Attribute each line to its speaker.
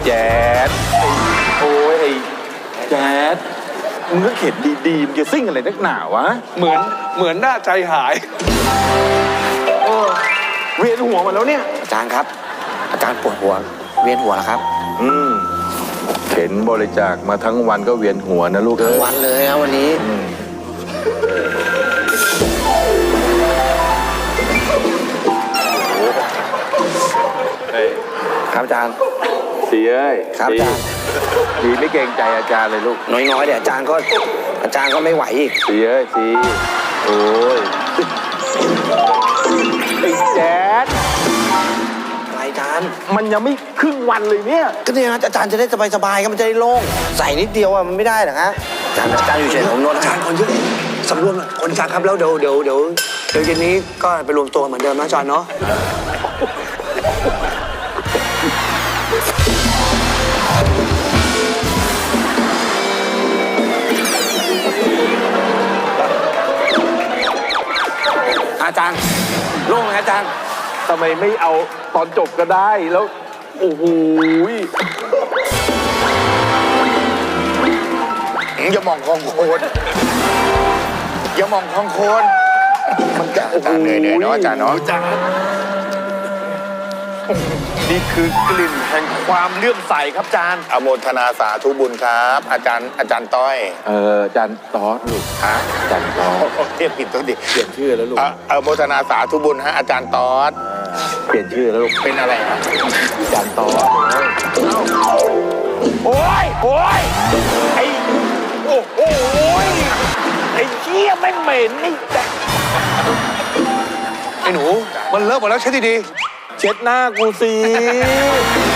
Speaker 1: แจ๊ดโอ้ยไอ้แจ๊ดมึงก็เข็ดดีๆมึงจะซิ่งอะไรนักหนาวะ
Speaker 2: เหมือนหน้าใจหาย
Speaker 1: เวียนหัวมาแล้วเนี่ย
Speaker 3: อาจารย์ครับอาจารย์ปวดหัวเวียนหัวแล้วครับ
Speaker 1: เข็นบริจาคมาทั้งวันก็เวียนหัวนะลูก
Speaker 3: ทั้งวันเลยนะวันนี้ครับอาจารย์
Speaker 1: สีเอ้ย
Speaker 3: ครับอาจารย์
Speaker 1: สีไม่เกรงใจอาจารย์เลยลูก
Speaker 3: น้อยๆเดี๋ยวอาจารย์ก็ไม่ไหวอีก
Speaker 1: สีเอ้ยสีโอ้ยไอ้แจ๊ด
Speaker 3: อะไรอาจารย์
Speaker 1: มันยังไม่ครึ่งวันเลยเนี่ย
Speaker 3: ก็เนี่ยนะอาจารย์จะได้สบายๆก็มันจะได้โล่งใส่นิดเดียวอะมันไม่ได้หรอฮะอาจารย์อยู่เฉยผมนวด
Speaker 4: อาจารย์คนเยอะสำรวมหน่อยคนอาจารย์ครับแล้วเดี๋ยวเย็นนี้ก็ไปรวมตัวเหมือนเดิมนะอาจารย์เนาะ
Speaker 3: อาจารย์โล่งไหมอาจารย์
Speaker 1: ทำไมไม่เอาตอนจบก็ได้แล้วโอ้โห
Speaker 5: อย่ามองคลองโคนอย่ามองคลองโคนมันจะอาจารย์เหนื่อยเนาะอาจารย์เนาะ
Speaker 1: นี่คือกลิ่นแห่งความเลื่อมใสครับอาจารย์
Speaker 5: อโมทนาสาธุบุญครับอาจารย์ต้อย
Speaker 1: อาจารย์ตอสลูก
Speaker 5: ฮะ
Speaker 1: อาจารย์ตอส
Speaker 5: เรียกผิดตัวดิ
Speaker 1: เปลี่ยนชื่อแล้วลูก
Speaker 5: อโมทนาสาธุบุญฮะอาจารย์ตอส
Speaker 1: เปลี่ยนชื่อแล้วลูก
Speaker 5: เป็นอะไรฮะ
Speaker 1: อาจารย์ตอสโอ้ยไอ้โอ้โหไอ้เหี้ยไม่เหม็นนี่แต่
Speaker 2: ไอ้หนูมันเลอะหมดแล้วเช็ดดี
Speaker 1: เช็ดหน้ากูสิ